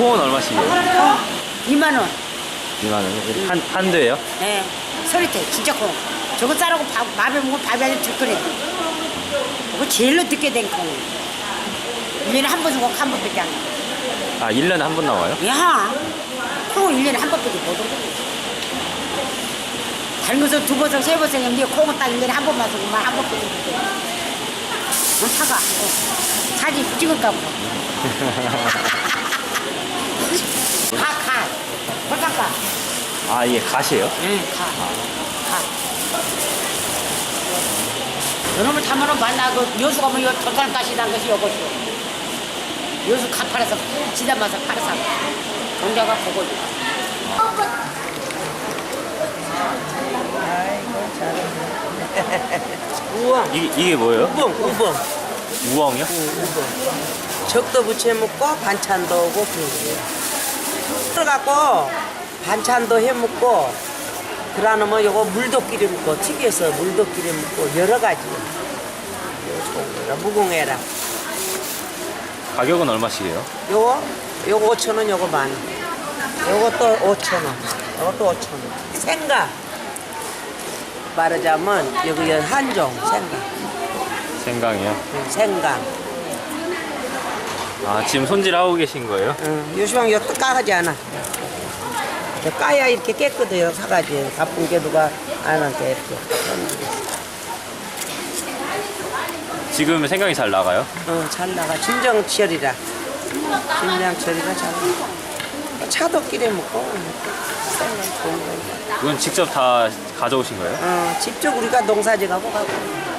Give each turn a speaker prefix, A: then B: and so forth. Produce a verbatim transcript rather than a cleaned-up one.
A: 콩은 얼마씩이에요?
B: 어, 이만 원.
A: 이만 원. 한, 한 대예요?
B: 예. 서리태 진짜 콩. 저거 싸라고 밥, 밥에 먹으면 밥이 아주 들끓네. 그거 제일로 늦게 된 콩. 일 년에 한 번 주고 한 번밖에 안 나.
A: 아, 일 년에 한 번 나와요?
B: 야, 콩은 일 년에 한 번밖에 못 오고. 다른 것은 두 번씩 세 번씩 했는데 콩은 딱 일 년에 한 번만 쓰고만 한 번밖에 못 돼. 어, 사과. 어. 사진 찍을까 봐. 가, 가. 벌써
A: 아, 이게 갓이에요?
B: 응, 가. 가. 요놈을 담으면 만나, 그, 여수 가면 요 도탄 가시단 것이 요것이요. 여수 가 팔아서, 지다 마서 팔아서. 동자가 보고 있다.
C: 아이고 잘하네. 우엉.
A: 이게, 이게 뭐예요?
C: 우엉, 우엉.
A: 우엉이요?
C: 적도 부채 먹고 반찬도 오고 그런 거예요. 그래갖고 반찬도 해 먹고 그러면 요거 물도끼리 먹고 튀겨서 물도끼리 먹고 여러 가지. 무궁해라.
A: 가격은 얼마씩이에요?
C: 요거 요거 오천 원, 요거 만 원. 요것도 오천 원. 요것도 오천 원. 생강. 말하자면 여기 한종 생강.
A: 생강이요?
C: 응, 생강.
A: 아, 지금 손질하고 계신 거예요?
C: 응, 요시방 이거 까가지 않아. 이거 까야 이렇게 깨끗해요, 사가지. 바쁜 게 누가 안 한테 이렇게.
A: 지금 생강이 잘 나가요?
C: 어, 잘 나가. 진정철이라. 진정철이라 잘 나가. 차도끼리 먹고, 생강 좋은 거.
A: 이건 직접 다 가져오신 거예요?
C: 어, 직접 우리가 농사지 가고 가고.